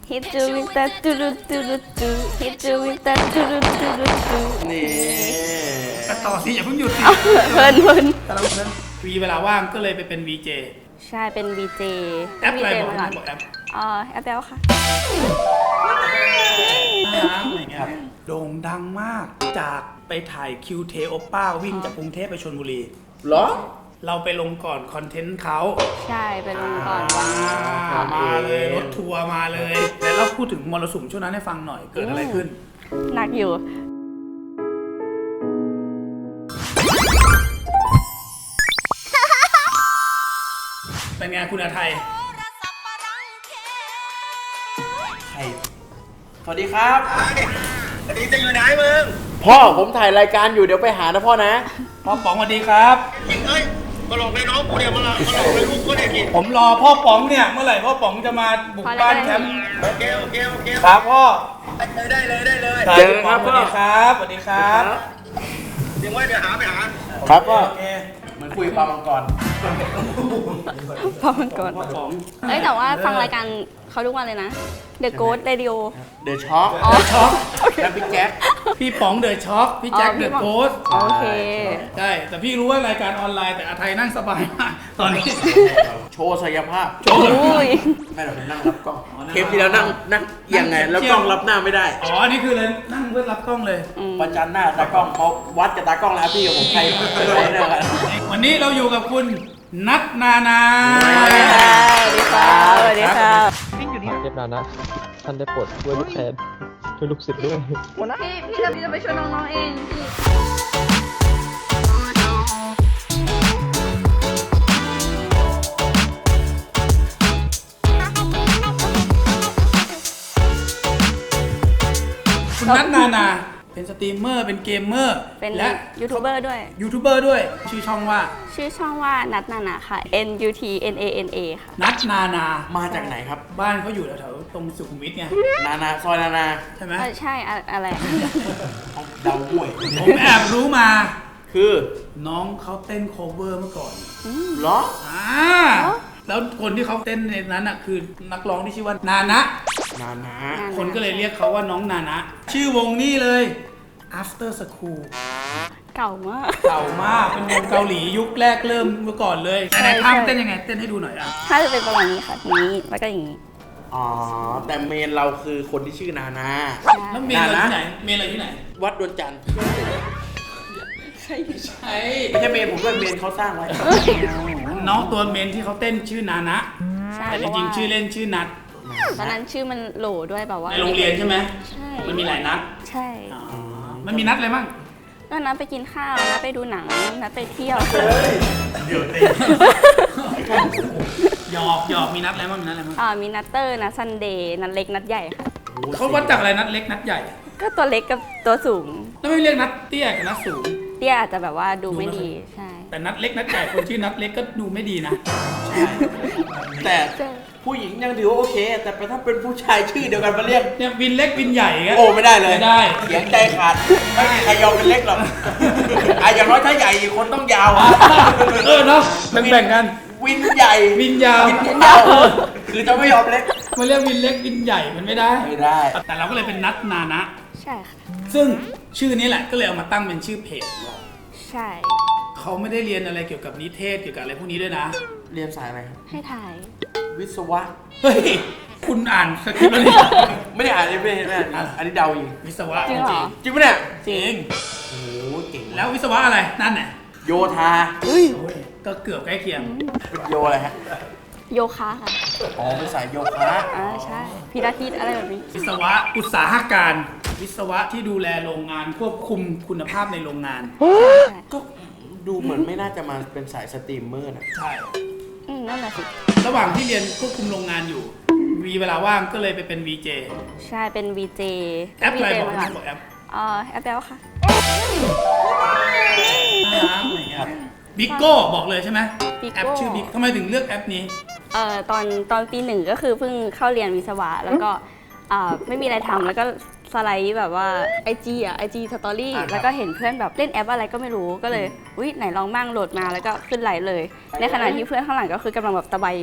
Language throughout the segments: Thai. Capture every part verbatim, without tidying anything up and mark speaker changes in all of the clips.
Speaker 1: Hit you with that do do do do do Hit you with that do do do do do
Speaker 2: นี่
Speaker 3: ต่อสิอย่าเพิ่งหยุดสิ
Speaker 1: เพลินเพลิน
Speaker 3: แต่เราเพลินวีเวลาว่างก็เลยไปเป็น วี เจ
Speaker 1: ใช่เป็น วี เจ
Speaker 3: แอปอะไรบอก
Speaker 1: วี
Speaker 3: นะ
Speaker 1: เจ
Speaker 3: บอกแอป
Speaker 1: อ๋อแอปแล้วค่ะ
Speaker 3: น่ารักอะไรเงี้ยโด่งดังมากจากไปถ่ายคิวเทโอป้าวิ่งจากกรุงเทพไปชลบุรี
Speaker 2: เหรอ
Speaker 3: เราไปลงก่อนคอนเทนต์เขา
Speaker 1: ใช่ไปลงก่อน
Speaker 3: อ่ามาเลยรถทัวร์มาเลยแล้วเราพูดถึงมรสุมช่วงนั้นให้ฟังหน่อยเกิดอะไรขึ้น
Speaker 1: หนักอยู่
Speaker 3: เป็นไงคุณอาไทย
Speaker 2: ใครสวัสดีครับ
Speaker 4: อันนี้จะอยู่ไหนมึง
Speaker 2: พ่อผมถ่ายรายการอยู่เดี๋ยวไปหานะพ่อนะ
Speaker 3: พ่อป๋องสวัสดีครับ
Speaker 4: เอ้ยมาหลอกในน้องกูเนี่ยมาหลอกมาหลอกในลูกกูเนี่ยกิน
Speaker 3: ผมรอพ่อป๋องเนี่ยเมื่อไหร่พ่อป๋องจะมาบุกบ้านแคมป์
Speaker 4: โอเคโอเคโอเค
Speaker 3: ครับพ่อ
Speaker 4: ได้เลยได้เลย
Speaker 2: เจอครับ
Speaker 3: สวัสดีครับสวัสดีครับ
Speaker 4: เดี๋ยวไว้เดี๋ยวหาไปหา
Speaker 2: ครับพ่อ
Speaker 3: โอเค
Speaker 2: เหมือนคุยปลามังกร
Speaker 1: พอมันก่อน
Speaker 3: พ่อป๋อง
Speaker 1: เอ้ยแต่ว่าฟังรายการเขาทุกวันเลยนะ The Ghost Radio
Speaker 2: เดอะช็อค
Speaker 1: อ๋อ
Speaker 3: ช็อก
Speaker 2: แล้วพี่แจ็ค
Speaker 3: พี่ป๋องเดอะช็อกพี่แจ็ค
Speaker 1: อ๋อ
Speaker 3: เด
Speaker 1: พี่
Speaker 3: อะ
Speaker 1: ป๋อง
Speaker 3: โกส
Speaker 1: โอเค
Speaker 3: ใช่แต่พี่รู้ว่ารายการออนไลน์แต่อาไทยนั่งสบายมากตอนนี้
Speaker 2: โชว์ศักยภาพ
Speaker 3: โชว์
Speaker 1: อุ้ย
Speaker 2: ไม่เราเป็นนั่งรับกล้องเทปที่แล้วนั่งนั่งเอียังไง แล้วกล้องรับหน้าไม่ได้
Speaker 3: อ๋ออันนี่คือเลยนั่งเพื่อรับกล้องเลย
Speaker 2: ประจันหน้าตากล้องเพราะวัดกับตากล้องแล้วพี่กับผมใครใครเนี่ยกัน
Speaker 3: วันนี้เราอยู่กับคุณนัทนานา
Speaker 1: สวัสดีค่ะสวัสดีค่ะสวัสดีค่ะ
Speaker 5: เทพนานะท่านได้โปรดช่วยลูกแทนช่วยลูกศิษย์ด้วย
Speaker 1: พี่พี่จะพี่จะไปช่วยน้องๆเองพี่
Speaker 3: คุณนัทนานาเป็นสตรีมเมอร์เป็นเกมเมอร์
Speaker 1: เป็น
Speaker 3: และ
Speaker 1: ยูทูบเบอร์ด้วย
Speaker 3: ยูทูบเบอร์ด้วยชื่อช่องว่า
Speaker 1: ชื่อช่องว่านัทนานาค่ะ N U T N A N A ค่ะ
Speaker 3: นัทนานา
Speaker 2: มาจากไหนครับ
Speaker 3: บ้านเขาอยู่แถวๆตรงสุขุมวิทไง
Speaker 2: นานาซอยนานา
Speaker 3: ใช่ไหม
Speaker 1: เออใช่อะอะไร
Speaker 2: เดาห่วย
Speaker 3: ผมแอบรู้มา
Speaker 2: คือ
Speaker 3: น้องเขาเต้นโคเวอร์เมื่อก่อน
Speaker 2: เหรอ
Speaker 3: อ่าแล้วคนที่เขาเต้นในนั้นอ่ะคือนักร้องที่ชื่อว่านานะ
Speaker 2: นานา
Speaker 3: คนก็เลยเรียกเขาว่าน้องนานะ ชื่อวงนี้เลย After School
Speaker 1: เก่ามาก
Speaker 3: เก่ามากเป็นวงเกาหลียุคแรกเริ่มเมื่อก่อนเลย
Speaker 1: ใช่
Speaker 3: ไหนๆ
Speaker 1: ใช่
Speaker 3: ทำเต้นยังไงเต้นให้ดูหน่อยอ่ะ
Speaker 1: ถ้าจะเป็นประมาณนี้ค่ะอย่างนี้แล้วก็อย่างนี้
Speaker 2: อ๋อ แต่เมนเราคือคนที่ชื่อนานา
Speaker 3: แล้วเมนเราที่ไหนเมนเราที่ไหน
Speaker 2: วัดดวนจันทร์
Speaker 3: ใช่ไม่ใช่
Speaker 2: ไม่ใช่เมนผมด้วยเมนเขาสร้างไว้
Speaker 3: น้องตัวเมนที่เขาเต้นชื่อนานะ
Speaker 1: ใช่
Speaker 3: แต่จริงๆชื่อเล่นชื่อนัท
Speaker 1: ตอนนั้นชื่อมันโหลด้วยแบบว่า
Speaker 3: ในโรงเรียนใช่ไหม
Speaker 1: ใช่
Speaker 3: มันมีหลายนัด
Speaker 1: ใช่
Speaker 3: อ๋อมันมีนัดอะไรบ้าง
Speaker 1: ก็นัดไปกินข้าวนัดไปดูหนังนัดไปเที่ยว
Speaker 3: เดี๋ยวเต้หยอกหยอกมีนัดอะไรบ้างมีนัดอะไรบ้าง
Speaker 1: อ่ามีนัดเตอร์นัดซันเดย์นัดเล็กนัดใหญ่ค่ะ
Speaker 3: เขาวัดจากอะไรนัดเล็กนัดใหญ่
Speaker 1: ก็ตัวเล็กกับตัวสูง
Speaker 3: แล้วไม่เรียกนัดเตี้ยกับนัดสูง
Speaker 1: เตี้ยอาจจะแบบว่าดูไม่ดีใช่
Speaker 3: แต่นัดเล็กนัดใหญ่คนชื่อนัดเล็กก็ดูไม่ดีนะ
Speaker 2: แต่ผู้หญิงยังถือว่าโอเค แต่ถ้าเป็นผู้ชายชื่อเดียวกันมาเรียก
Speaker 3: เนี่ยวินเล็กวินใหญ่ก็
Speaker 2: โอ้ไม่ได้เลย
Speaker 3: ไม่ได้
Speaker 2: เสียงใจขาด ไม่มีใครยอมเป็นเล็กหรอกอ่ะอย่างน้อยถ้าใหญ่อีกคนต้องยาวอ่ะ
Speaker 3: เออเนาะแบ่งๆกัน
Speaker 2: วินใหญ่
Speaker 3: วินยาว
Speaker 2: วินยาวคือจะไม่ยอมเล็ก
Speaker 3: มาเรียกวินเล็กวินใหญ่มันไม่ได้
Speaker 2: ไม่ได้
Speaker 3: แต่เราก็เลยเป็นนัดนานะ
Speaker 1: ใช่ค่ะ
Speaker 3: ซึ่งชื่อนี้แหละก็เลยเอามาตั้งเป็นชื่อเพจ
Speaker 1: ใช่
Speaker 3: เขาไม่ได้เรียนอะไรเกี่ยวกับนิเทศเกี่ยวกับอะไรพวกนี้ด้วยนะ
Speaker 2: เรียนสายอะไรครับ
Speaker 1: ให้ถ่าย
Speaker 2: วิศวะ
Speaker 3: เฮ้ย คุณอ่านสคริปต์แล้วนี่
Speaker 2: ไม่ได้อ่านเลยไม่ได้ไม่ได้อ่านอันนี้เดาเอง
Speaker 3: วิศวะ
Speaker 1: จริงเหรอ
Speaker 2: จริงปะเนี่ย
Speaker 3: จริง
Speaker 2: โอ้โหเก่ง
Speaker 3: แล้ววิศวะอะไรนั่นน่ะ
Speaker 2: โยธา
Speaker 3: โอ้ยก็เกือบใกล้เคียง
Speaker 2: เป็นโยอะไรฮะ
Speaker 1: โยคะค่ะ
Speaker 2: อ๋อเป็นสายโยคะ
Speaker 1: อ่าใช่พิลาทิสอะไรแบบนี้
Speaker 3: วิศวะอุตสาหการ วิศวะที่ดูแลโรงงานควบคุมคุณภาพในโรงงาน
Speaker 1: ใช่
Speaker 2: ก็ดูเหมือนไม่น่าจะมาเป็นสายสตรีมเมอร์นะ
Speaker 3: ใช่
Speaker 1: อืมนั่นแหละสิ
Speaker 3: ระหว่างที่เรียนควบคุมโรงงานอยู่มีเวลาว่างก็เลยไปเป็น วี เจ
Speaker 1: ใช่เป็น วี เจ
Speaker 3: แอปอะไร
Speaker 1: วี
Speaker 3: บอก
Speaker 1: เจ
Speaker 3: นะบอกแอป
Speaker 1: อ่าแอปแล้วค่ะ
Speaker 3: น่ารักอะไรเงี้ยบิ๊กโก้บอกเลยใช่ไหม
Speaker 1: Bigo
Speaker 3: แอปชื่อบิ๊กทำไมถึงเลือกแอปนี้
Speaker 1: เอ่อตอนตอนปีหนึ่งก็คือเพิ่งเข้าเรียนวิศวะ แล้วก็อ่าไม่มีอะไรทำแล้วก็สไลด์แบบว่า ไอ จี อ่ะ ไอ จี สตอรี่
Speaker 2: อ่าครับ
Speaker 1: แล้วก็เห็นเพื่อนแบบเล่นแอปอะไรก็ไม่รู้ก็เลยอุ้ยไหนลองบ้างโหลดมาแล้วก็ขึ้นไหลเลย ในขณะที่เพื่อนข้างหลังก็คือกำลังแบบตะไบ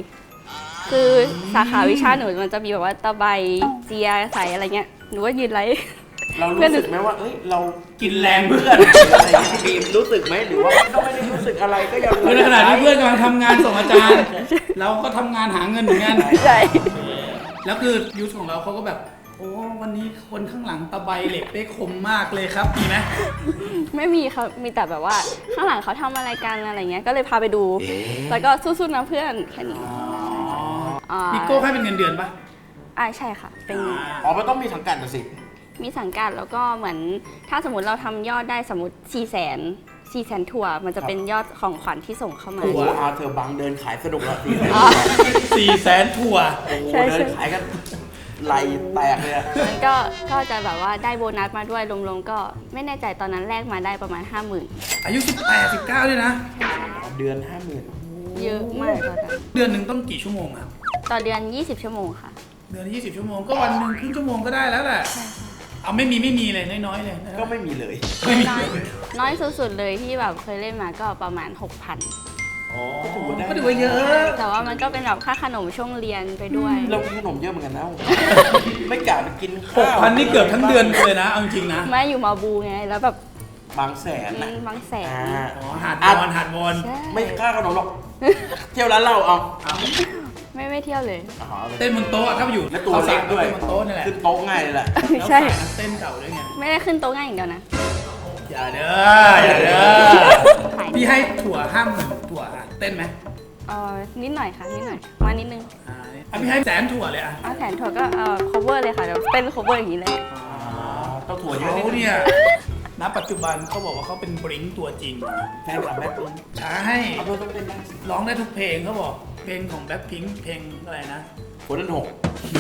Speaker 1: คือสาขาวิชาหนูมันจะมีแบบว่าตะไบเจียใสอะไรเงี้ยหนูก็ยืนไลฟ์
Speaker 2: เรารู้สึกไหมว่าเอ้ยเรา
Speaker 3: กินแรงเพื่อน
Speaker 2: อะไรอย่างเงี้ยบีมรู้สึกไหมหรือว่าก็ไม่ได้รู้สึกอะไรก็ยัง
Speaker 3: คือในขณะที่เพื่อนกำลังทำงานส่งอาจารย์ เราก็ทำงานหาเงินเหมือนกัน
Speaker 1: ใช่
Speaker 3: แล้วคือยูทของเราเขาก็แบบ โอ้วันนี้คนข้างหลังตะไบเหล็กได้คมมากเลยครับมีไหม
Speaker 1: ไม่มีเขามีแต่แบบว่าข้างหลังเขาทำอะไรกันอะไรเงี้ยก็เลยพาไปดู แล้วก็สู้ๆนะเพื่อนแค่นี้ อ่า
Speaker 3: พี่โก้ให้เป็นเงินเดือนปะ
Speaker 1: อ่าใช่ค่ะ เป็น
Speaker 2: อ๋อมันต้องมีสังกัดน่ะสิ
Speaker 1: มีสังกัดแล้วก็เหมือนถ้าสมมติเราทำยอดได้สมมติ4 0 0 0 0 0 สี่แสนถั่วมันจะเป็นยอดของขวัญที่ส่งเข้ามา
Speaker 2: โอ้โหอาเธอบังเดินขายสนุกละสิ
Speaker 3: สี่แสนถั่ว
Speaker 2: โอ้โห
Speaker 1: ใช่ใช่
Speaker 2: เดินขายกันไหลแตกเลยอะ
Speaker 1: มันก็ก็จะแบบว่าได้โบนัสมาด้วยรวมๆก็ไม่แน่ใจตอนนั้นแลกมาได้ประมาณ ห้าหมื่น
Speaker 3: อายุสิบแปด สิบเก้าเลยนะ
Speaker 2: เดือนห้าหมื่น
Speaker 1: เยอะมากตอนนั้น
Speaker 3: เดือนหนึ่งต้องกี่ชั่วโมงครับ
Speaker 1: ต่อเดือน ยี่สิบ ชั่วโมงค่ะ
Speaker 3: เดือนยี่สิบชั่วโมงก็วันหนึ่งครึ่งชั่วโมงก็ได้แล้วแหละเอาไม่มีไม่มีเลยน้อยๆเลยนะครับ
Speaker 2: ก็ไม่มีเลย
Speaker 3: ไม่มี
Speaker 1: น้อยน้อยสุดๆเลยที่แบบเคยเล่นมาก็ประมาณ หกพัน
Speaker 2: อ๋อก็ถือว่าได้
Speaker 3: ก็ถือว่าเยอะ
Speaker 1: แต่ว่ามันก็เป็นแบบค่าขนมช่วงเรียนไปด้วย
Speaker 2: เรากินขนมเยอะเหมือนกันนะ ไม่กะไปกิน
Speaker 3: ห
Speaker 2: ข้าก ว
Speaker 3: พันนี่เกือบทั้งเดือนเลยนะเอาจริงๆนะ
Speaker 1: ไม่อยู่มาบูไงแล้วแบบ
Speaker 2: บางแสนนะ
Speaker 1: บางแสน
Speaker 2: อ่า
Speaker 3: อ๋อหาดวอนหาดวอน
Speaker 1: ใช่
Speaker 2: ไม่ค่าขนมหรอก เที่ยวร้านเหล้าเอา
Speaker 1: ไม่ไม่เที่ยวเลย
Speaker 2: อ๋อ
Speaker 3: เต้นบนโต๊ะถ้าอยู่
Speaker 2: และตัวเล็กด้วย
Speaker 3: เต้นบนโต๊ะนี่แหละ
Speaker 2: ขึ้นโต๊ะง่ายเลยแหละ
Speaker 3: แล้ว
Speaker 1: ใช่
Speaker 3: สายนักเต้นเก่าด้วยไง
Speaker 1: ไม่ได้ขึ้นโต๊ะง่ายอย่างเดียวนะ
Speaker 3: อย่าเด้ออย่าเด้อ
Speaker 1: ขาย
Speaker 3: พี่ให้ถั่วห้ามหมื่นถั่วอ่ะเต้นไหม
Speaker 1: เออนิดหน่อยค่ะนิดหน่อยมานิดนึง
Speaker 3: อ่าอ่ะพี่ให้แสนถั่วเลยอ่ะ
Speaker 1: เอาแผนถั่วก็เออ cover เลยค่ะเดี๋ยวเต้น cover อย่างนี้เลย
Speaker 2: ต้องถั่วเยอะ
Speaker 3: เขา
Speaker 2: นิดนึง
Speaker 3: เนี่ยณปัจจุบันเขาบอกว่าเขาเป็นบริงตัวจริง
Speaker 2: แฟนคลับแบ็คพิงค์
Speaker 3: ใช่
Speaker 2: เอาเพื่อนต้องเต้นได้สิ
Speaker 3: ร้องได้ทุกเพลงเขาบอกเพลงของแบ็คพิงค์เพลงอะไรนะ
Speaker 2: คนนั้นหก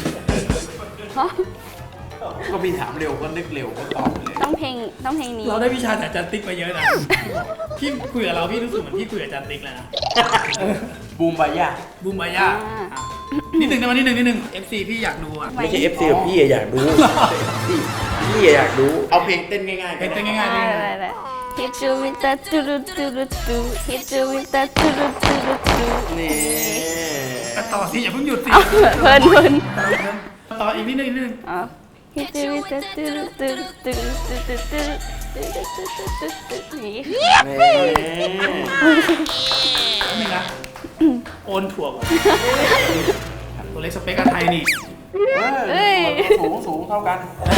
Speaker 2: ก็มีถามเร็วก็นึกเร็วก็ตอบเลย
Speaker 1: ต้องเพลงต้องเพลงนี้
Speaker 3: เราได้วิชาจากอาจารย์ติ๊กมาเยอะนะ พี่คุยกับเราพี่รู้สึกเหมือนพี่คุยกับอาจารย์ติ๊กเลยนะ
Speaker 2: บูมบายา
Speaker 3: บูมบายาอ่ะนิดหนึ่งนะวันนิดหนึ่งนิดหนึ่ง เอฟ ซี พี่อยากดูอ่ะ
Speaker 2: ไม่ใช่ เอฟ ซี ของพี่อะอยากดูพี่พี่อะอยากดู เอาเพลงเต้นง่ายๆ
Speaker 3: เพลงเต้นง่ายๆ
Speaker 1: ได้
Speaker 3: เพลง
Speaker 1: ได้ได้ Hit you with that do do do do do Hit you with that do do do do do
Speaker 2: นี่
Speaker 3: อ่ะต่อสิอย่าเพิ่งหยุดสิ
Speaker 1: เอาเพลินเพลิน
Speaker 3: ต่ออีกนิดหนึงอีกนิดหนึง
Speaker 1: เอา Hit you with that do do do do do do do do นี่
Speaker 2: นี่
Speaker 3: แป๊บนึงนะ โอนถั่วก่อนตัวเล็กสเปคอาไทยนี่
Speaker 2: เออสูงสูงเท่ากัน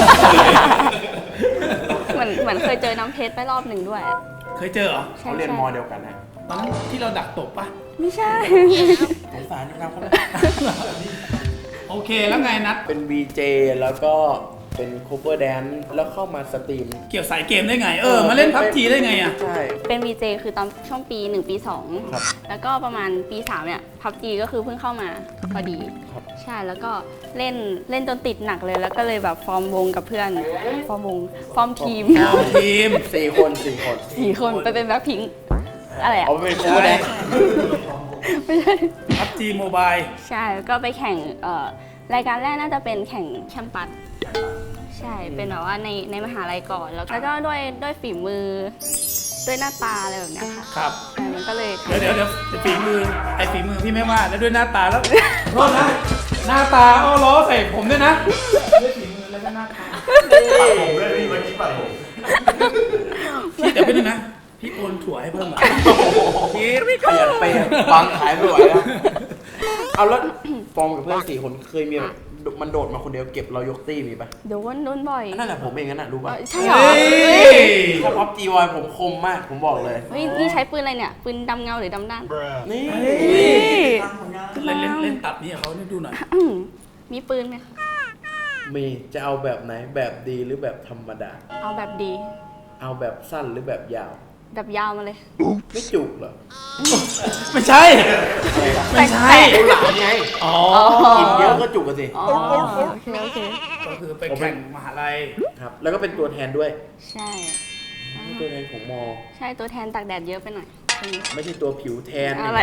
Speaker 1: เหมือนเหมือนเคยเจอน้ำเพชรไปรอบหนึ่งด้วย
Speaker 3: เคยเจอเหรอ
Speaker 1: ใช่
Speaker 2: เขาเรียน
Speaker 1: ใช่
Speaker 2: มอเดียวกันนะ
Speaker 3: ตอนนั้นที่เราดักตบปะ
Speaker 1: ไม่ใช่
Speaker 2: สงสารนะครับเขา
Speaker 3: โอเคแล้วไงนัด
Speaker 2: เป็น วี เจ แล้วก็เป็น cover dance แล้วเข้ามาสตรีม
Speaker 3: เกี่ยวสายเกมได้ไง เออ มาเล่นพับจีได้ไงอ่ะ
Speaker 2: ใช่
Speaker 1: เป็น วี เจ คือตอนช่วงปีหนึ่งปีสอง
Speaker 2: ครับ
Speaker 1: แล้วก็ประมาณปีสามเนี่ยพับจีก็คือเพิ่งเข้ามาพอดี
Speaker 2: ครับ
Speaker 1: ใช่แล้วก็เล่นเล่นจนติดหนักเลย แล้วก็เลยแบบฟอร์มวงกับเพื่อน ฟอร์มวง ฟอร์มทีม
Speaker 3: เอาทีม
Speaker 2: สี่คนสี่คน
Speaker 1: สี่คนไปเป็นแบ็คพิงค์อะไรอ่ะ
Speaker 2: เอาไปเป็น cover dance
Speaker 1: ไม่ใช่
Speaker 3: พับจีโมบาย
Speaker 1: ใช่แล้วก็ไปแข่งเอ่อรายการแรกน่าจะเป็นแข่งแชมปัสใช่เป็นแบบว่าในในมหาลัยก่อน แล้วก็ด้วยด้วยฝีมือด้วยหน้าตาอะไรแบบเนี้ยค่ะ
Speaker 3: ครับ
Speaker 1: ใช่มันก็เลย
Speaker 3: เดี๋ยวเดี๋ยวเดี๋ยวฝีมือ ไอ้ฝีมือพี่ไม่ว่า แล้วด้วยหน้าตาแล้ว โทษนะ หน้าตาอ้อล้อใส่ผมด้วยนะด้วยฝีมือแล้วก็หน้าตา
Speaker 4: ผมด้วยพี่วันนี้ปัดผม
Speaker 3: พี่เดี๋ยวไปดูนะ พี่โอนถั่วให้เพิ่มอ่ะ
Speaker 2: คิดขยันไปบางขายไม่ไหวแล้วเอาแล้วฟอร์มกับเพื่อนสี่คนเคยมีแบบมันโดดมาคนเดียวเก็บเรายกตี้มีปะ
Speaker 1: โดนโดนบ่อย
Speaker 2: นั่นแหละผมเองนั่นน่ะรู้
Speaker 1: เอ
Speaker 2: ปะ
Speaker 1: อใช่เหรอ
Speaker 3: เฮ้ย
Speaker 2: ถ้าพับจีวายผมคมมากผมบอกเลย
Speaker 1: เฮ้ยนี่ใช้ปืนอะไรเนี่ย ปืนดำเงาหรือดำด้าน
Speaker 2: นี่
Speaker 3: เล่นเล่นเล่นตับนี่กับเขาให้ดูหน่อย
Speaker 1: อืมมีปืนไหมคะ
Speaker 2: มีจะเอาแบบไหนแบบดีหรือแบบธรรมดา
Speaker 1: เอาแบบดี
Speaker 2: เอาแบบสั้นหรือแบบยาว
Speaker 1: แบบยาวมาเลย
Speaker 2: ไม่จุกเหรอ
Speaker 3: ไม่ใช่ ไม่ใช่
Speaker 2: เอาหลามไง
Speaker 3: อ๋อ
Speaker 2: กินเยอะก็จุกกันสิ
Speaker 1: อ๋อโอเคโอเค
Speaker 3: ก็คือไปแข่งมหาลัย
Speaker 2: ครับ แล้วก็เป็นตัวแทนด้วย
Speaker 1: ใช่
Speaker 2: ตัวแทนของมอ
Speaker 1: ใช่ตัวแทนตากแดดเยอะไปหน่อยคนนี้
Speaker 2: ไม่ใช่ตัวผิวแทน
Speaker 1: อะไร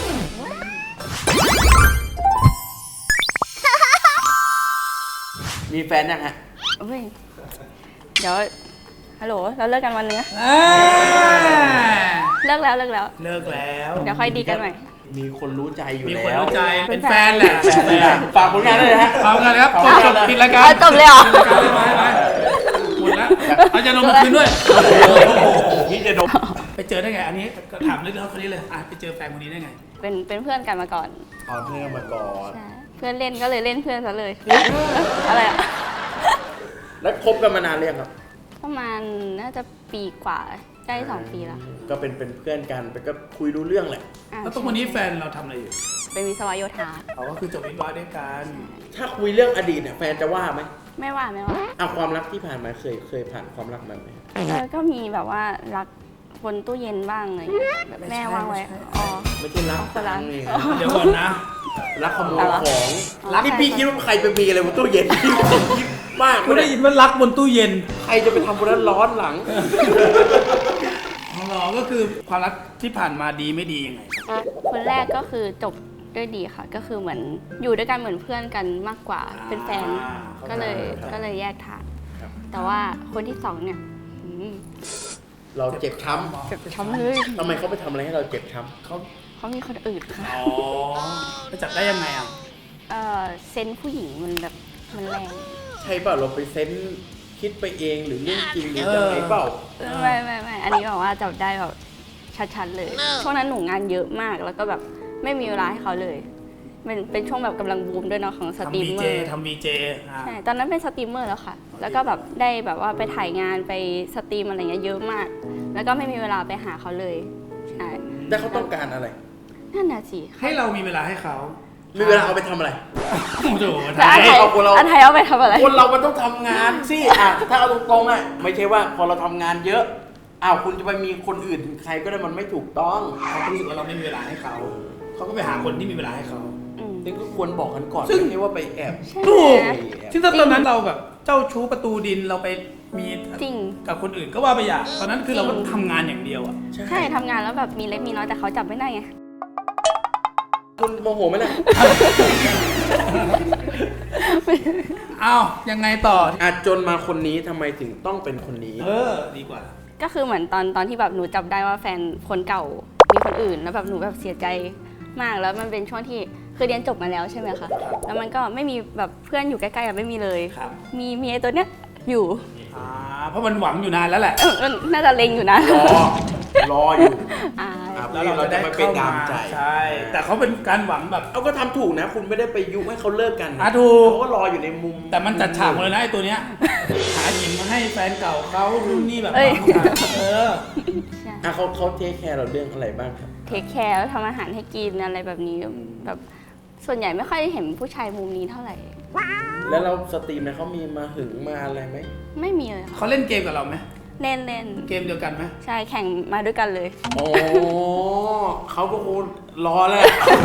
Speaker 2: มีแฟนยังฮะ
Speaker 1: เฮ้ยเดี๋ยวฮัลโหลเราเลิกกันวันนึงนะ
Speaker 3: อ่า
Speaker 1: เลิกแล้วเลิกแล้ว
Speaker 3: เลิกแล้ว
Speaker 1: เดี๋ยวค่อยดีกันใหม่
Speaker 2: มีคนรู้ใจอยู่
Speaker 3: มี
Speaker 2: แล้ว
Speaker 3: คนรู้ใจเป็นแฟนแหละเป็นแฟน
Speaker 2: ฝากผลงานด้วยนะฮะ
Speaker 3: เอากันเลยครับจบจบปิดรายการ
Speaker 1: เอาจบเลยเหรอ
Speaker 3: ปิดรายการเลยไปไปหมดแล้วเอาจะลงมาคืนด้วย
Speaker 2: โอ้โหพี่จะดม
Speaker 3: ไปเจอได้ไงอันนี้ก็ถามเรื่องคนนี้เลยอ่ะไปเจอแฟนคนนี้ได้ไง
Speaker 1: เป็นเป็นเพื่อนกันมาก่อน
Speaker 2: เอาเพื่อนมาก่อน
Speaker 1: ใช่เพื่อนเล่นก็เลยเล่นเพื่อนซะเลย อะไรอะ
Speaker 2: แล้วคบกันมานานเรียงครับ
Speaker 1: ประมาณน่าจะปีกว่าใกล้สองปีแล้ว
Speaker 2: ก็เป็นเป็นเพื่อนกันไปก็คุยรู้เรื่องแหละ
Speaker 1: อ่ะ
Speaker 3: แล้วตรงวันนี้แฟนเราทำอะไรอยู่
Speaker 1: เป็นวิศวโยธา
Speaker 3: เขาก็คือจบวิศวะด้วยกัน
Speaker 2: ถ้าคุยเรื่องอดีตเนี่ยแฟนจะว่าไหม
Speaker 1: ไม่ว่าไม่ว่า
Speaker 2: อ่ะความรักที่ผ่านมาเคยเคยผ่านความรักมาไหม
Speaker 1: แล้วก็มีแบบว่ารักบนตู้เย็นบ้างอะไรอย่างเงี้ยแบบแม่วางไว้อ๋อ
Speaker 2: ไม่ใช่รัก
Speaker 1: คนละ
Speaker 2: นี่
Speaker 3: เดี๋ยวก่อนนะ
Speaker 2: รักขโมย
Speaker 1: อะไรวะ
Speaker 2: ของ
Speaker 1: รัก
Speaker 2: นี่พี่คิดว่าใครไปมีอะไรบนตู้เย็นพี่คิดมาก
Speaker 3: กูได้ยินว่ารักบนตู้เย็น
Speaker 2: ใครจะไปทำบนนั้นร้อนหลัง
Speaker 3: ของเราก็คือความรักที่ผ่านมาดีไม่ดียังไง
Speaker 1: คนแรกก็คือจบด้วยดีค่ะ ก็คือเหมือนอยู่ด้วยกันเหมือนเพื่อนกันมากกว่า เป็นแฟน
Speaker 3: อ่า
Speaker 1: ก็เลย
Speaker 2: ครับ
Speaker 1: ก็เลยแยกทาง
Speaker 2: ครับ
Speaker 1: แต่ว่าคนที่สองเนี่ยอืม
Speaker 2: เราเจ็บช้
Speaker 1: เจ็บช้ำเลย
Speaker 2: ำทำไมเขาไปทำอะไรให้เราเจ็บช้
Speaker 3: เขา
Speaker 1: เขามีคนอื่นค่ะ
Speaker 3: อ๋อไปจับได้ยังไงอ่ะ
Speaker 1: เออเซนส์ผู้หญิงมันแบบมันแรง
Speaker 2: ำใช่เปล่าเราไปเซนส์คิดไปเองหรือเรื่องจริงหรือยังไงเปล่า
Speaker 1: ไม่ไม่ไม่อันนี้แบบว่าจับได้แบบชัดๆเลย ช่วงนั้นหนูงานเยอะมากแล้วก็แบบไม่มีเวลาให้เขาเลยเป็นเป็นช่วงแบบกำลังบูมด้วยเนาะของสตรี
Speaker 3: ทำ
Speaker 1: ม
Speaker 3: วี
Speaker 1: เม
Speaker 3: เจ
Speaker 1: อร์
Speaker 3: ทำวีเจอ่ะ
Speaker 1: ใช่ตอนนั้นเป็นสตรีมเมอร์แล้วค่ะ แล้วก็แบบได้แบบว่าไปถ่ายงานไปสตรีมอะไรเงี้ยเยอะมาก แล้วก็ไม่มีเวลาไปหาเขาเลยใช่
Speaker 2: แต่เขาต้องการอะไร
Speaker 1: นั่นน่ะสิ
Speaker 3: ให้เรามีเวลาให้เขา
Speaker 2: มีเวลาเอาไปทำอะไร
Speaker 3: โอ้โห
Speaker 1: แต่อันไทย
Speaker 2: เอาคนเรา
Speaker 1: อันไทยเอาไปทำอะไร
Speaker 2: คนเรามันต้องทำงานสิอ่ะถ้าเอาตรงๆอ่ะไม่ใช่ว่าพอเราทำงานเยอะอ้าวคุณจะไปมีคนอื่นใครก็ได้มันไม่ถูกต้อง
Speaker 3: เขารู้สึกว่าเราไม่มีเวลาให้เขา เขาก็ไปหาคนที่มีเวลาให้เขา
Speaker 1: อืม
Speaker 2: นี่ก็ควรบอกกันก่อน
Speaker 3: ซึ่ง
Speaker 2: ไม่ใช่ว่าไปแอบ
Speaker 1: ใช่
Speaker 3: ถูก
Speaker 1: ไหม
Speaker 3: ซึ่งถ้าตอนนั้นเราแบบเจ้าชู้ประตูดินเราไปมี
Speaker 1: จริง
Speaker 3: กับคนอื่นก็ว่าไปอย่างตอนนั้นคือเราก็ทำงานอย่างเดียวอ่ะ
Speaker 1: ใช่ทำงานแล้วแบบมีเล็กมีน้อยแต่เขาจับไม่ได้ไง
Speaker 2: คุณโมโหไหมล่ะ
Speaker 3: อ้าวยังไงต่อ
Speaker 2: อาจจนมาคนนี้ทำไมถึงต้องเป็นคนนี้
Speaker 3: เออ ดีกว่า
Speaker 1: ก็คือเหมือนตอนตอนที่แบบหนูจับได้ว่าแฟนคนเก่ามีคนอื่นแล้วแบบหนูแบบเสียใจมากแล้วมันเป็นช่วงที่คือเรียนจบมาแล้วใช่ไหมคะแล้วมันก็ไม่มีแบบเพื่อนอยู่ใกล้ๆอะไม่มีเลย
Speaker 3: ครับ
Speaker 1: มีมีไอ้ตัวเนี้ยอยู่
Speaker 3: อ่าเพราะมันหวังอยู่นานแล้วแหละ
Speaker 1: เออมันน่าจะเล็งอยู่นะ
Speaker 2: รอ รออยู่
Speaker 1: อ่า
Speaker 2: อ่ะ
Speaker 3: แล้วเรา
Speaker 2: เรา
Speaker 3: จะ
Speaker 2: จะ
Speaker 3: ได้
Speaker 2: ไม่ไป
Speaker 3: เข้า
Speaker 2: ดา
Speaker 3: าม
Speaker 2: ใจ
Speaker 3: ใช่ แต่เขาเป็นการหวังแบบ
Speaker 2: เอาก็ทำถูกนะ คุณไม่ได้ไปยุให้เขาเลิกกัน
Speaker 3: อ่ะถูก
Speaker 2: เขาก็รออยู่ในมุม
Speaker 3: แต่มันจัดฉากหมดเลยนะไอ้ตัวเนี้ย หาหญิงมาให้แฟนเก่าเขารุ่นนี่แบบ
Speaker 1: เอ้ย
Speaker 3: เออ
Speaker 1: ใช่
Speaker 2: อ่ะเขาเขาเทคแคร์เราเรื่องอะไรบ้างครับ
Speaker 1: เทคแคร์ทำอาหารให้กินอะไรแบบนี้แบบส่วนใหญ่ไม่ค่อยได้เห็นผู้ชายมุมนี้เท่าไหร่
Speaker 2: แล้วเราสตรีมเนี่ยเขามีมาหึงมาอะไรไหม
Speaker 1: ไม่มีเลยค่ะ
Speaker 3: เขาเล่นเกมกับเราไหม
Speaker 1: เล่นเล่น
Speaker 3: เกมเดียวกันไหม
Speaker 1: ใช่แข่งมาด้วยกันเลย
Speaker 2: โอ้เขาก็คงรอแหละ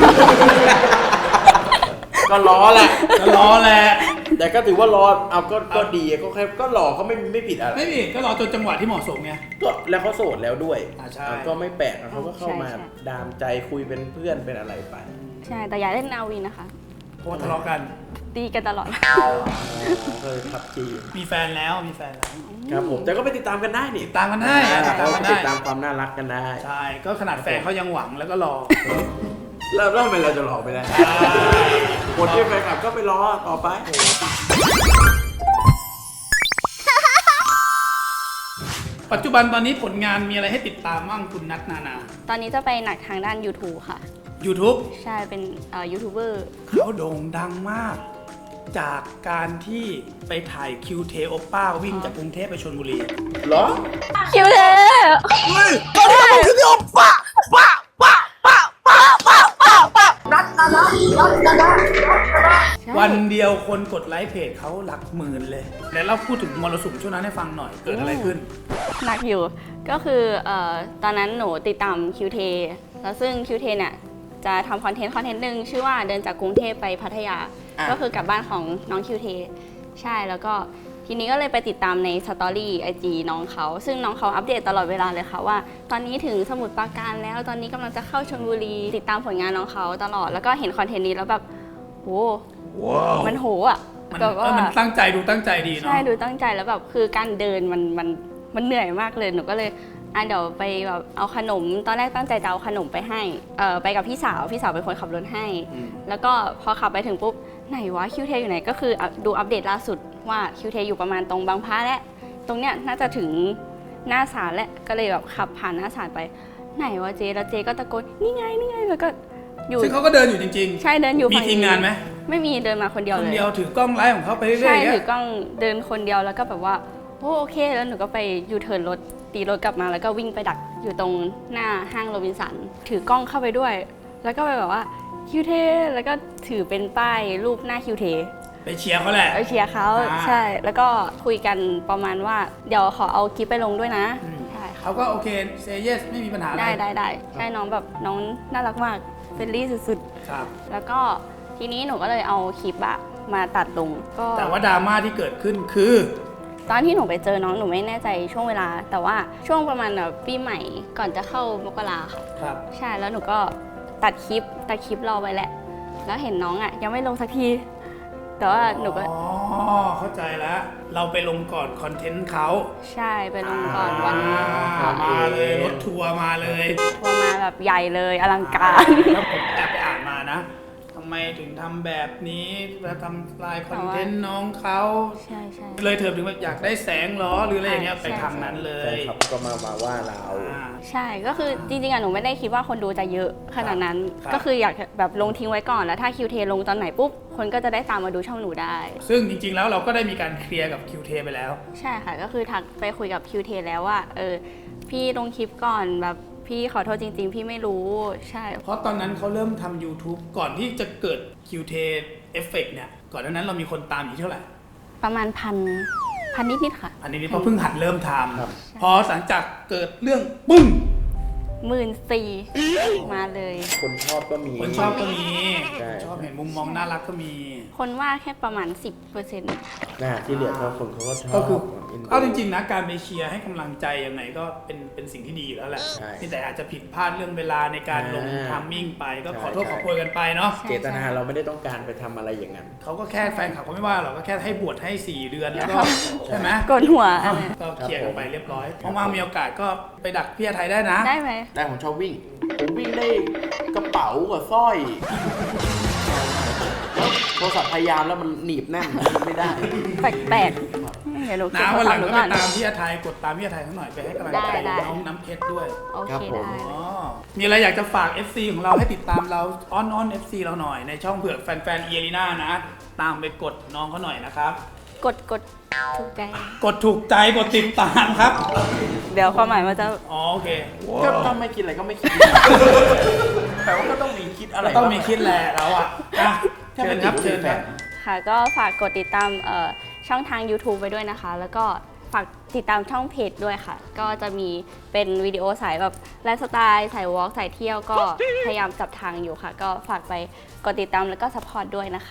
Speaker 2: ก็รอแหละ
Speaker 3: ก็รอแหละ
Speaker 2: แต่ก็ถือว่ารอเอาก็ก็ดีก็แค่ก็รอเขาไม่ไม่ผิดอะไร
Speaker 3: ไม่ผิดก็รอจนจังหวะที่เหมาะสมไง
Speaker 2: ก็แล้วเขาโสดแล้วด้วย
Speaker 3: อ่าใช่
Speaker 2: อ่ะก็ไม่แปลกอ่ะเขาก็เข้ามา
Speaker 1: ใช่ใช่
Speaker 2: ดามใจคุยเป็นเพื่อนเป็นอะไรไป
Speaker 1: ใช่แต่อย่าเล่นนาวีนะคะ
Speaker 3: เพราะว่าทะเลาะกัน
Speaker 1: ตีกันตลอด
Speaker 2: อ๋อเคยพับจี
Speaker 3: มีแฟนแล้วมีแฟนแล้ว
Speaker 2: ครับผมแต่ก็ไปติดตามกันได้นี่
Speaker 3: ติดตามกันได้ติดตามกัน
Speaker 2: ติ
Speaker 3: ได้
Speaker 2: ดตามความน่ารักกันได้
Speaker 3: ใช่ก็ขนาดแฟนเขายังหวังแล้วก็รอ
Speaker 2: แล้วแล้วทำไมเราจะรอไม่ได้คนที่แฟนคลับก็ไปรอต่อไป
Speaker 3: ปัจจุบันตอนนี้ผลงานมีอะไรให้ติดตามบ้างคุณนัทนานา
Speaker 1: ตอนนี้จะไปหนักทางด้าน YouTube ค่ะ
Speaker 3: YouTube
Speaker 1: ใช่ เป็นเอ่อยูทูบเบอร์
Speaker 3: เขาโด่งดังมาก จากการที่ไปถ่ายคิวเทโอป้าวิ่งจากกรุงเทพไปชลบุรี
Speaker 2: เหรอ
Speaker 1: คิวเท
Speaker 3: วันเดียวคนกดไลค์เพจเขาหลักหมื่นเลย แล้วเราพูดถึงมรสุมช่วงนั้นให้ฟังหน่อย เกิดอะไรขึ้น
Speaker 1: หนักอยู่ ก็คือเอ่อตอนนั้นหนูติดตามคิวเทแล้วซึ่งคิวเทเนี่ยจะทำคอนเทนต์คอนเทนต์หนึ่งชื่อว่าเดินจากกรุงเทพไปพัทยา
Speaker 2: อ่ะ
Speaker 1: ก็คือกลับบ้านของน้องคิวเทใช่ แล้วก็ทีนี้ก็เลยไปติดตามในสตอรี่ไอจีน้องเขา ซึ่งน้องเขาอัปเดตตลอดเวลาเลยค่ะว่า ตอนนี้ถึงสมุทรปราการแล้ว ตอนนี้กำลังจะเข้าชลบุรี ติดตามผลงานน้องเขาตลอด แล้วก็เห็นคอนเทนต์นี้แล้วแบบโหมันโหอ่ะ
Speaker 3: มัน
Speaker 1: แบบ
Speaker 3: เอ
Speaker 1: ว่า
Speaker 3: อมันตั้งใจดูตั้งใจดีเนาะ
Speaker 1: ใช่ดูตั้งใจแล้วแบบคือการเดินมันมันมันเหนื่อยมากเลยหนูก็เลยอ่ะเดี๋ยวไปแบบเอาขนมตอนแรกตั้งใจจะเอาขนมไปให้เออไปกับพี่สาวพี่สาวเป็นคนขับรถให้
Speaker 2: อืม
Speaker 1: แล้วก็พอขับไปถึงปุ๊บไหนวะคิวเทอยู่ไหนก็คืออ่ะดูอัปเดตล่าสุดว่าคิวเทอยู่ประมาณตรงบางพระและตรงเนี้ยน่าจะถึงหน้าศาลแล้วก็เลยแบบขับผ่านหน้าศาลไปไหนวะเจแล้วเจก็ตะโกนนี่ไงนี่ไงแล้วก็อยู่
Speaker 3: ซึ่งเขาก็เดินอยู่จริง
Speaker 1: ใช่เดินอยู่
Speaker 3: ๆ มี
Speaker 1: ฝั่ง
Speaker 3: ทีมงานไหม
Speaker 1: ไม่มีเดินมาคนเดียว
Speaker 3: คน
Speaker 1: เลย
Speaker 3: เดียวถือกล้องไลฟ์ของเขาไปเรื่อยๆ
Speaker 1: ใช่
Speaker 3: อย่าง
Speaker 1: ถื
Speaker 3: เงี้
Speaker 1: อย กล้องเดินคนเดียวแล้วก็แบบว่าโอ้โอเคแล้วหนูก็ไปยูเทิร์นรถตีรถกลับมาแล้วก็วิ่งไปดักอยู่ตรงหน้าห้างโรบินสันถือกล้องเข้าไปด้วย แล้วก็ไปแบบว่าคิวเทแล้วก็ถือเป็นป้ายรูปหน้าคิวเท
Speaker 3: ไปเชียร์เขาแหละ
Speaker 1: ไปเชียร์เขา
Speaker 3: อ่า
Speaker 1: ใช่แล้วก็คุยกันประมาณว่าเดี๋ยวขอเอาคลิปไปลงด้วยนะ
Speaker 3: อืม
Speaker 1: ใช่ค่ะ
Speaker 3: เขาก็โอเคเซเยสไม่มีปัญหาอะไร
Speaker 1: ได้ได้ได้ใช่น้องแบบน้องน่ารักมากเฟรนลี่สุด
Speaker 3: ครับ
Speaker 1: ๆแล้วก็ทีนี้หนูก็เลยเอาคลิปอะมาตัดลงก็
Speaker 3: แต่ว่าดราม่าที่เกิดขึ้นคือ
Speaker 1: ตอนที่หนูไปเจอน้องหนูไม่แน่ใจช่วงเวลา แต่ว่าช่วงประมาณแบบปีใหม่ก่อนจะเข้ามกราค่ะ
Speaker 3: ครับ
Speaker 1: ใช่แล้วหนูก็ตัดคลิปตัดคลิปรอไว้แหละ แล้วเห็นน้องอ่ะยังไม่ลงสักที แต่ว่าหนูก็
Speaker 3: อ๋อ เข้าใจแล้ว เราไปลงก่อนคอนเทนต์เขา
Speaker 1: ใช่ไปลงก่อนวัน
Speaker 3: อ่ามาเลยรถทัวร์มาเลย
Speaker 1: ทัวร์มาแบบใหญ่เลยอลังการ
Speaker 3: แล้วผมแอบไปอ่านมานะทำไมถึงทำแบบนี้แล้วทำลายคอนเทนต์น้องเขา
Speaker 1: ใช่ใช่
Speaker 3: เลยเถิดถึงว่าอยากได้แสงเหรอหรืออะไรอย่างเงี้ย
Speaker 1: ใช่
Speaker 3: ไปทางนั้นเล
Speaker 2: แฟน
Speaker 3: ย
Speaker 2: คลับก็มามาว่าเรา
Speaker 3: อ่า
Speaker 1: ใช่ก็คือจริงๆอะหนูไม่ได้คิดว่าคนดูจะเยอะขนาดนั้น
Speaker 3: ครับ
Speaker 1: ก็คืออยากแบบลงทิ้งไว้ก่อนแล้วถ้าคิวเทลงตอนไหนปุ๊บคนก็จะได้ตามมาดูช่องหนูได้
Speaker 3: ซึ่งจริงๆแล้วเราก็ได้มีการเคลียร์กับคิวเทไปแล้ว
Speaker 1: ใช่ค่ะก็คือทักไปคุยกับคิวเทแล้วว่าเออพี่ลงคลิปก่อนแบบพี่ขอโทษจริง ๆ พี่ไม่รู้ใช่
Speaker 3: เพราะตอนนั้นเขาเริ่มทำ YouTube ก่อนที่จะเกิด คิว ที เอฟเฟกต์เนี่ย ก่อนหน้านั้นเรามีคนตามอยู่เท่าไหร่
Speaker 1: ประมาณพันพันนิดๆค่ะ
Speaker 3: อันนี้เพราะเพิ่งหัดเริ่มท
Speaker 2: ครับ
Speaker 3: ำพอหลังจากเกิดเรื่องปึ้ง
Speaker 1: หมื่นสี่มาเลย
Speaker 2: คนชอบก็มี
Speaker 3: คนชอบก็มี
Speaker 2: ใช่
Speaker 3: ชอบเห็นมุมมองน่ารักก็มี
Speaker 1: คนว่าแค่ประมาณ สิบเปอร์เซ็นต์
Speaker 2: น่าที่เหลือเขาคนเขาก็ชอบ
Speaker 3: ก็คือ
Speaker 2: นดู
Speaker 3: เอาจริงๆนะการไปเชียร์ให้กำลังใจยังไงก็เป็นเป็นสิ่งที่ดีอยู่แล้วแหละ
Speaker 2: ใช่
Speaker 3: นี่แต่อาจจะผิดพลาดเรื่องเวลาในการลง
Speaker 2: อ่า
Speaker 3: ทามมิ่งไปก็
Speaker 2: ใช่
Speaker 3: ขอโทษ
Speaker 2: ใช่
Speaker 3: ขอโพยกันไปเนาะ
Speaker 2: เจตนาเราไม่ได้ต้องการไปทำอะไรอย่างนั้น
Speaker 3: เขาก็แค่แฟนคลับเขาไม่ว่าหรอกก็แค่ให้บวชให้สี่เดือนแล้วก็ใช่ไหม
Speaker 1: กดหัวอะไร
Speaker 3: ก็เคลียร์กันไปเรียบร้อยว่างๆมีโอกาสก็ไปดักพี่อาไทยได้นะ
Speaker 1: ได้ไหม
Speaker 2: ได้ผมชอบวิ่ง ผมวิ่งได้กระเป๋ากับสร้อยแล้วโทรศัพท์พยายามแล้วมันหนีบแน่นมันไม่ได้
Speaker 1: แปลกๆเดี๋ยวหนูเก็บ
Speaker 3: น้า
Speaker 1: โทร
Speaker 3: วันห
Speaker 1: ศั
Speaker 3: ลั
Speaker 1: พ
Speaker 3: ง
Speaker 1: ท์หนู
Speaker 3: ก็
Speaker 1: ก่
Speaker 3: ไป
Speaker 1: อน
Speaker 3: ตามพี่อาไทยกดตามพี่อาไทยเขาหน่อยไปให้กำลังใจ
Speaker 1: ได้ได้
Speaker 3: น้องน้ำเพชรด้วย
Speaker 1: โอ
Speaker 2: ครั
Speaker 1: เค
Speaker 2: บผม
Speaker 1: ได้
Speaker 3: อ๋อมีอะไรอยากจะฝาก เอฟ ซี ของเราให้ติดตามเราอ้อนอ้อน เอฟ ซี เราหน่อยในช่องเผือกแฟนๆเอลีน่านะ ตามไปกดน้องเขาหน่อยนะครับ
Speaker 1: กดกดถูกใจ
Speaker 3: กดถูกใจกดติดตามครับ
Speaker 1: เดี๋ยวความหมายมันจะ
Speaker 3: อ๋อโอเค
Speaker 2: ก็ก็ไม่คิดอะไรก็ไม่คิด แต่ว่าก็ต้องมีคิดอะไร
Speaker 3: ต้องมีคิดแหละเราอ่ะอ่ะ
Speaker 2: ถ้า
Speaker 3: เชิ
Speaker 2: เป็
Speaker 3: ญ
Speaker 2: น
Speaker 3: ครับ
Speaker 2: เชิ
Speaker 3: เชิ
Speaker 2: ญ
Speaker 3: ญ
Speaker 2: แฟ
Speaker 3: ครับ
Speaker 2: น
Speaker 1: ค่ะก็ฝากกดติดตามเอ่อช่องทาง YouTube ไปด้วยนะคะ แล้วก็ฝากติดตามช่องเพจด้วยค่ะ ก็จะมีเป็นวิดีโอสายแบบไลฟ์สไตล์สายวอล์กสายเที่ยวก็พยายามจับทางอยู่ค่ะ ก็ฝากไปกดติดตามแล้วก็สปอร์ตด้วยนะคะ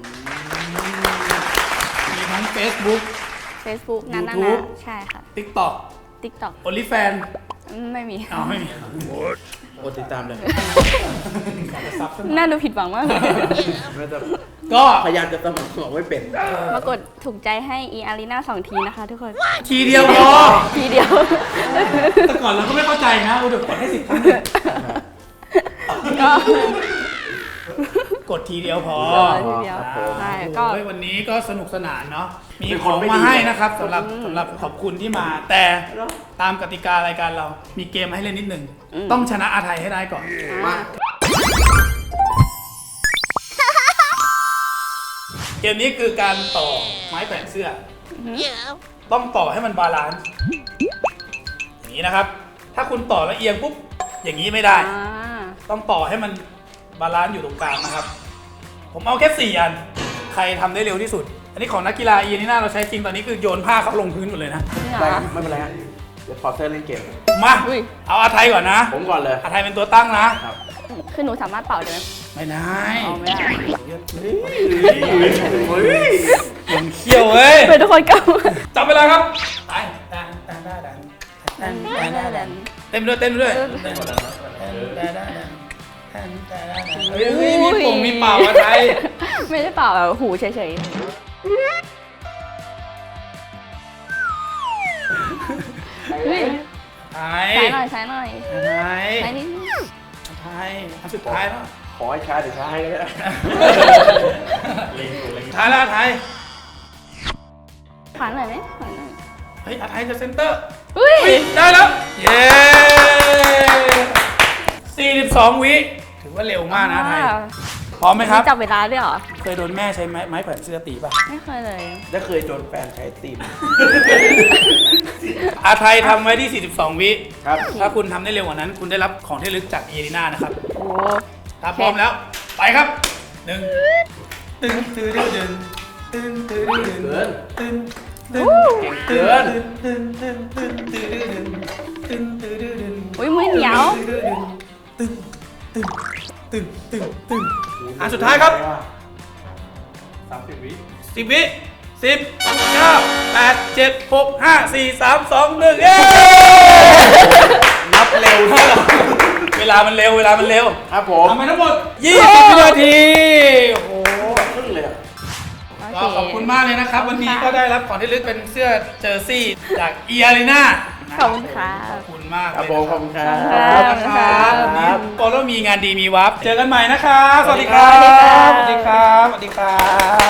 Speaker 3: มีทั้ง Facebook
Speaker 1: Facebook นั้นนะ
Speaker 3: YouTube
Speaker 1: ใช่ค่ะ
Speaker 3: TikTok
Speaker 1: TikTok
Speaker 3: OnlyFans
Speaker 1: ไม่มี
Speaker 3: อ้าวไม่มี
Speaker 2: กดติดตามเลย
Speaker 3: ซับซะหน่อย
Speaker 1: น่าดูผิดหวังมากเลย
Speaker 2: ไม่ต้อง
Speaker 3: ก็
Speaker 2: พยายามจะสมัครบอกไม่เป็น
Speaker 1: มากดถูกใจให้อีอารีนาสองทีนะคะทุกคน
Speaker 3: ทีเดียวพอ
Speaker 1: ทีเดียว
Speaker 3: แต่ก่อนเราก็ไม่เข้าใจนะอุยเดี๋ยวกดให้สิบครั้ง
Speaker 1: ก็
Speaker 3: กดทีเดียวพอ
Speaker 1: ทีเดียว
Speaker 3: อ่า
Speaker 1: ใช่ก็
Speaker 3: โอ้ยวันนี้ก็สนุกสนานเนาะ มี
Speaker 2: เป็น
Speaker 3: ข
Speaker 2: คน
Speaker 3: อง
Speaker 2: ไม่
Speaker 3: มา
Speaker 2: ดี
Speaker 3: ให้นะครับสำหรับสำหรับขอบคุณที่มา แต่ตามกติการายการเรา มีเกมให้เล่นนิดหนึ่ง ต้องชนะอาไทยให้ได้ก่อน
Speaker 1: อ่า
Speaker 3: เกมนี้คือการต่อไม้แขวนเสื้อ ต้องต่อให้มันบาลานซ์อย่างนี้นะครับ ถ้าคุณต่อแล้วเอียงปุ๊บ อย่างนี้ไม่ได้
Speaker 1: อ่า
Speaker 3: ต้องต่อให้มันบาลานซ์อยู่ตรงกลางนะครับ ผมเอาแค่สี่อัน ใครทำได้เร็วที่สุด อันนี้ของนักกีฬาอีนี่น่าเราใช้จริงตอนนี้คือโยนผ้าเขาลงพื้นหมดเลยนะ
Speaker 1: จริงเหร
Speaker 2: ได้
Speaker 1: อ
Speaker 2: ไม่เป็นไรฮะเดี๋ยวขอเซอร์เล่นเกม
Speaker 3: มา
Speaker 1: อุ้ย
Speaker 3: เอาอาไทยก่อนนะ
Speaker 2: ผมก่อนเลย
Speaker 3: อาไทยเป็นตัวตั้งนะ
Speaker 2: ครับ
Speaker 1: คือหนูสามารถเป่าได้ไหม
Speaker 3: ไม่ได้
Speaker 1: อ๋อไม่ได้
Speaker 3: มันเขี้ยวเว้ย
Speaker 1: เป็นทุกคนเก่า
Speaker 3: จับเวลาครับไปดันดันดันดันดันดันดันดันเต็มด้วยเต็มด้วยเฮ้ยมีปุ่มมีเป่าอาไทย
Speaker 1: ไม่ได้เป่าแบบหูเฉยๆเฮ้ย
Speaker 3: ไทย
Speaker 1: ช้หน่อย
Speaker 3: ไทย
Speaker 1: ใช้นิดนึง
Speaker 3: ไทยอันสุดท้ายแล้ว
Speaker 2: ขอให้ช้าเดี๋ยวช้าให้ก็ได้
Speaker 3: สุดท้ายแล้วไทย
Speaker 1: ขวานหน่อยไหมขวานหน่อย
Speaker 3: เฮ้ยอาไทยจะเซนเตอร์
Speaker 1: อุ้ย
Speaker 3: อุ๊ยได้แล้ว เย้สี่สิบสองวิถือว่าเร็วมากนะไทย พร้อมไหมครับ
Speaker 1: จับเวลาด้วยเหรอ
Speaker 3: เคยโดนแม่ใช้ไม้ไม้แขวนเสื้อตีป่ะ
Speaker 1: ไม่เคยเลย
Speaker 2: จะเคยโดนแฟนใช้ตีน
Speaker 3: อาไทยทำไว้ที่ สี่สิบสอง วิ
Speaker 2: ครับ
Speaker 3: ถ้าคุณทำได้เร็วกว่านั้น คุณได้รับของที่ระลึกจากเอริน่านะครับ
Speaker 1: โอ้
Speaker 3: ถ้าพร้อมแล้ว ไปครับหนึ่งตึ้งตึ้งตึ้งตึ้งตึ้งตึ้ง
Speaker 2: เกิน
Speaker 3: ตึ้งตึ้ง
Speaker 2: เก่งเกิน
Speaker 3: ตึ้งตึ้งตึ้งตึ้งตึ้งตึ้งตึ้งตึ้ง
Speaker 1: อุ้ยมือเหนียว
Speaker 3: ตึ้งตึ้งตึ้งตึ้งตึ้งอันสุดท้ายครับ
Speaker 2: สามสิบวิ
Speaker 3: สิบวิสิบเก้าแปดเจ็ดหกห้าสี่สามสองหนึ่งเย้
Speaker 2: นับเร็วเท่า
Speaker 3: เวลามันเร็วเวลามันเร็ว
Speaker 2: ครับผม
Speaker 3: ทำไปทั้งหมดยี่สิบวินาทีโอ้โห
Speaker 2: ครึ่งเลยอะ
Speaker 3: ก็ขอบคุณมากเลยนะครับ วันนี้ก็ได้รับของที่ระลึกเป็นเสื้อเจอร์ซี่จากเอียรีน่า
Speaker 1: ขอบคุณค่ะ
Speaker 3: ขอบคุณมาก
Speaker 2: ครับ
Speaker 3: เลย
Speaker 2: ผม
Speaker 3: นะ
Speaker 2: ขอบคุณครับ
Speaker 3: ขอบคุณนะครับ
Speaker 1: ขอบคุณ
Speaker 3: วัน
Speaker 1: ครั
Speaker 3: นี้
Speaker 1: บ
Speaker 3: โปโลมีงานดีมีวับเจอกันใหม่นะครับ สวัสดีครับ
Speaker 1: ส
Speaker 3: ส
Speaker 1: วั
Speaker 3: วั
Speaker 1: ส
Speaker 3: ส
Speaker 1: ดี
Speaker 3: ดีค
Speaker 1: ครั
Speaker 3: รับ บ สวัสดีครับ